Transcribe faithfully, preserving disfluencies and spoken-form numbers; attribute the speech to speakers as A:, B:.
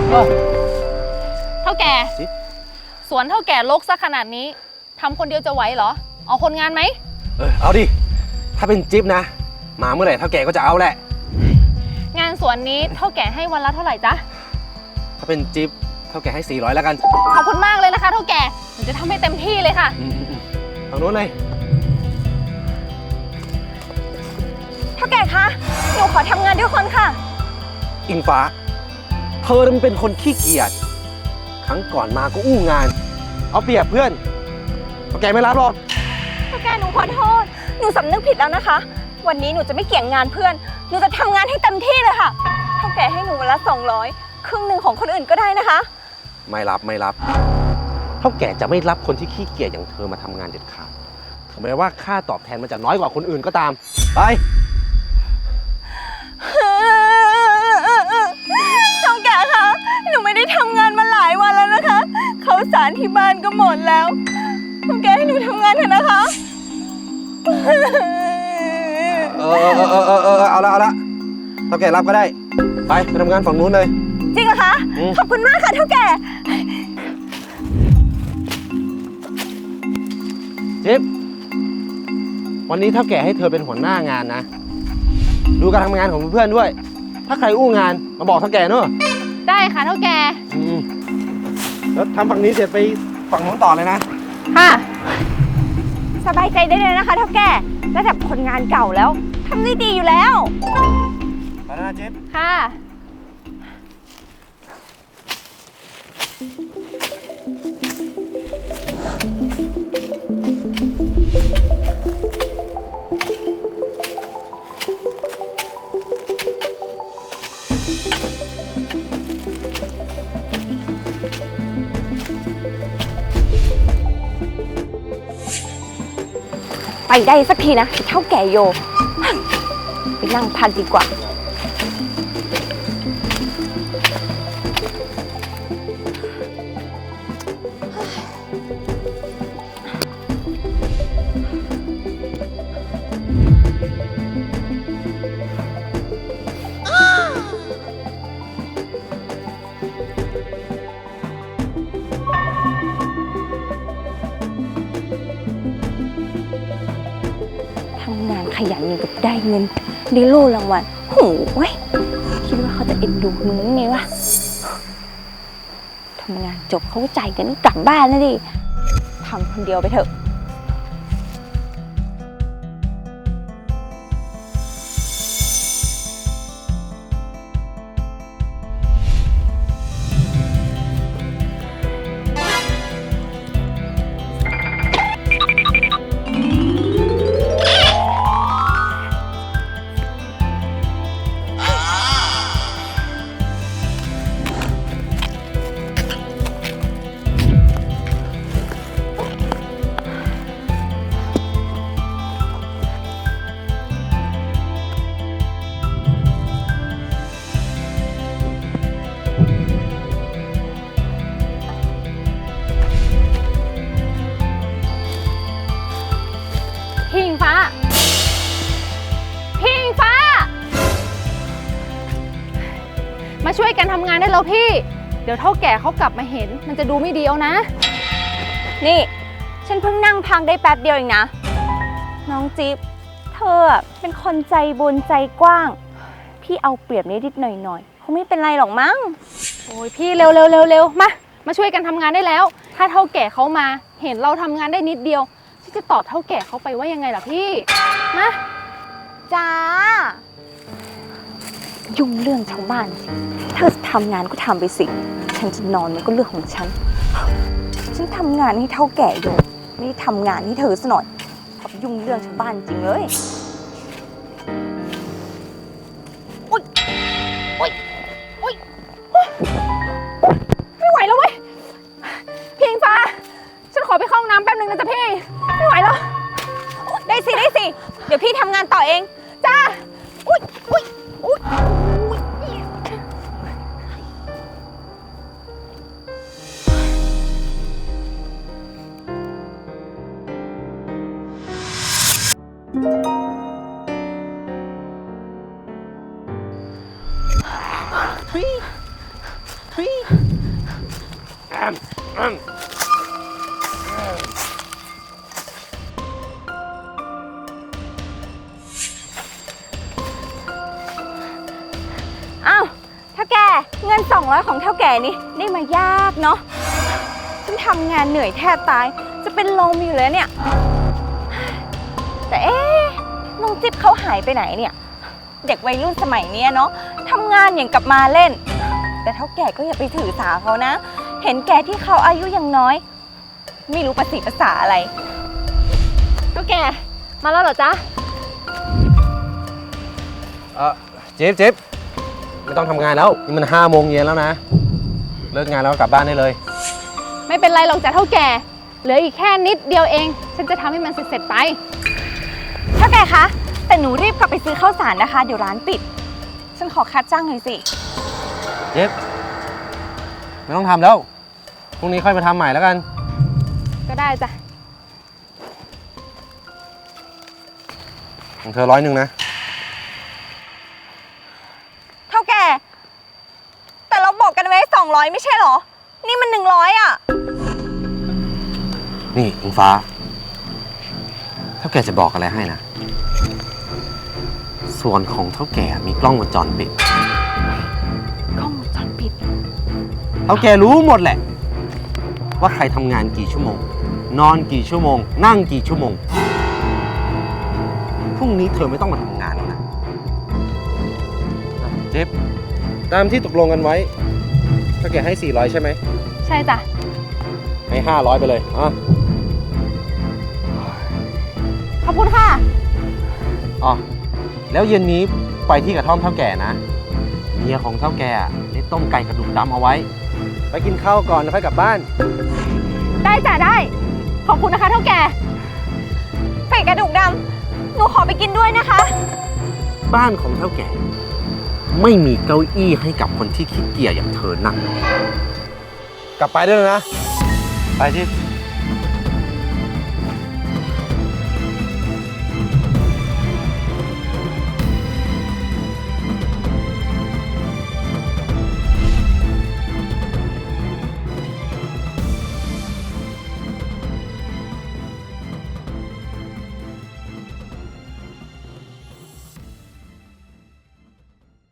A: เท่าแก่สวนเท่าแก่รกซะขนาดนี้ทำคนเดียวจะไหวเหรอเอาคนงานไหม
B: เออเอาดิถ้าเป็นจิ๊บนะมาเมื่อไหร่เท่าแก่ก็จะเอาแหละ
A: งานสวนนี้เท่าแก่ให้วันละเท่าไหร่จ๊ะ
B: ถ้าเป็นจิ๊บเท่าแก่ให้สี่ร้อยแล้วกัน
A: ขอบคุณมากเลยนะคะเท่าแก่หนูจะทำให้เต็มที่เลยค่ะ
B: ทางโน้นเลย
C: เท่าแก่คะหนูขอทำงานด้วยคนค่ะ
B: อิงฟ้าเธอมันเป็นคนขี้เกียจครั้งก่อนมาก็อู้งานเอาเปรียบเพื่อนเท่าแก่ไม่รับหรอก
C: เท่าแก่หนูขอโทษหนูสำนึกผิดแล้วนะคะวันนี้หนูจะไม่เกี่ยงงานเพื่อนหนูจะทำงานให้เต็มที่เลยค่ะเท่าแก่ให้หนูวันละสองร้อยครึ่งหนึ่งของคนอื่นก็ได้นะคะ
B: ไม่รับไม่รับเท่าแก่จะไม่รับคนที่ขี้เกียจอย่างเธอมาทำงานเด็ดขาดถึงแม้ว่าค่าตอบแทนมันจะน้อยกว่าคนอื่นก็ตามไป
C: เท่าแก่คะหนูไม่ได้ทำงานมาหลายวันแล้วนะคะข้าวสารที่บ้านก็หมดแล้วเท่าแก่ให้หนูทำงานเถอะนะคะ
B: เออเออเออเออเออเอาละเอาละเท่าแก่รับก็ได้ไปไปทำงานฝั่งนู้นเลย
C: จริงเหรอคะขอบคุณมากค่ะเท่าแก่
B: จิ๊บวันนี้เท่าแก่ให้เธอเป็นหัวหน้างานนะดูการทำงานของเพื่อนด้วยถ้าใครอู้งานมาบอกเท่าแก่เนอะ
A: ได้ค่ะเท่าแก่
B: แล้วทำฝั่งนี้เสร็จไปฝั่งนู้นต่อเลยนะ
A: ค่ะ
C: สบายใจได้เลยนะคะเท่าแก่ระดับคนงานเก่าแล้วทำได้ดีอยู่แล้ว
B: ไปแล้วนะจิ๊บ
A: ค่ะ
C: ไปได้สักทีนะเท่าแก่โยไปนั่งพักดีกว่าทำงานขยันอย่างกับได้เงินได้โล่รางวัลโหยคิดว่าเขาจะเอ็นดูมึงไงวะทำงานจบเขาก็จ่ายกันกลับบ้านแล้วดิทำคนเดียวไปเถอะ
A: พี่อิงฟ้าพี่อิงฟ้ามาช่วยกันทำงานได้แล้วพี่เดี๋ยวเท่าแก่เขากลับมาเห็นมันจะดูไม่ดีเอานะ
C: นี่ฉันเพิ่งนั่งพักได้แป๊บเดียวเองนะน้องจิ๊บเธอเป็นคนใจบุญใจกว้างพี่เอาเปรียบนิดๆหน่อยๆคงไม่เป็นไรหรอกมั้ง
A: โอ้ยพี่เร็วเร็วเร็วเร็วมามาช่วยกันทำงานได้แล้วถ้าเท่าแก่เขามาเห็นเราทำงานได้นิดเดียวจะตอบเท่าแก่เขาไปว่ายังไงล่ะพี่มา
C: จ้ายุ่งเรื่องชาวบ้านสิเธอทำงานก็ทำไปสิฉันจะนอนมันก็เรื่องของฉันฉันทำงานให้เท่าแก่อยู่ไม่ได้ทำงานให้เธอซะหน่อยทำยุ่งเรื่องชาวบ้านจริงเลยอุ๊ยอุ๊ยอุ๊ย
A: ไม่ไหวแล้วเว้ยพี่อิงฟ้าฉันขอไปเข้าห้องน้ำแป๊บนึงนะจ๊ะพี่ไม่ไหวแล้ว
C: ได้สิได้สิเดี๋ยวพี่ทำงานต่อเอง
A: จ้าอุ๊ยอุ๊ยอุ๊ยอุ๊ย
C: อ้าวเท่าแก่เงินสองร้อยของเท่าแก่นี่ได้มายากเนาะฉันทำงานเหนื่อยแทบตายจะเป็นลมอยู่แล้วเนี่ย แต่เอ๊ะน้องจิ๊บเขาหายไปไหนเนี่ย เด็กวัยรุ่นสมัยเนี้ยเนาะทำงานอย่างกับมาเล่น แต่เท่าแก่ก็อย่าไปถือสาเขานะ เห็นแก่ที่เขาอายุยังน้อย ไม่รู้ภาษีภาษาอะไร
A: เท่าแก่ มาแล้วเหรอจ๊ะ
B: เออเจ๊บเจ๊บไม่ต้องทำงานแล้ว นี่มันห้าโมงเย็นแล้วนะ เลิกงานแล้วกลับบ้านได้เลย
A: ไม่เป็นไรหรอกจ้ะเท่าแก่ เหลืออีกแค่นิดเดียวเอง ฉันจะทำให้มันเสร็จๆไป
C: เท่าแก่คะ แต่หนูรีบกลับไปซื้อข้าวสารนะคะ เดี๋ยวร้านปิด ฉันขอคัดจ้างหน่อยสิ
B: เจ๊บไม่ต้องทำแล้ว พรุ่งนี้ค่อยไปทำใหม่แล้วกัน
A: ก็ได้จ้ะ
B: ของเธอร้อยหนึ่งนะ
C: เท่าแก่ แต่เราบอกกันไว้สองร้อยไม่ใช่เหรอ นี่มันหนึ่งร้อยอ่ะ
B: นี่อิงฟ้า เท่าแก่จะบอกอะไรให้นะ ส่วนของเท่าแก่มีกล้องวงจรปิด
C: กล้องวงจรปิด
B: เท่าแก่รู้หมดแหละ ว่าใครทำงานกี่ชั่วโมง นอนกี่ชั่วโมง นั่งกี่ชั่วโมง พรุ่งนี้เธอไม่ต้องมาทำงานแล้วนะเจ๊บตามที่ตกลงกันไว้เท่าแก่ให้สี่ร้อยใช่ไหม
A: ใช่จ้ะ
B: ให้ห้าร้อยไปเลยอ่ะ
A: ขอบคุณค่ะ
B: อ๋อแล้วเย็นนี้ไปที่กระท่อมเท่าแก่นะ เมียของเท่าแก่ได้ต้มไก่กระดูกดำเอาไว้ ไปกินข้าวก่อนแล้วค่อยกลับบ้าน
A: ได้จ้ะได้ ขอบคุณนะคะเท่าแก่
C: ไก่กระดูกดำ หนูขอไปกินด้วยนะคะ
B: บ้านของเท่าแก่ ไม่มีเก้าอี้ให้กับคนที่ขี้เกียจอย่างเธอนั่ง กลับไปด้วยนะ ไปที่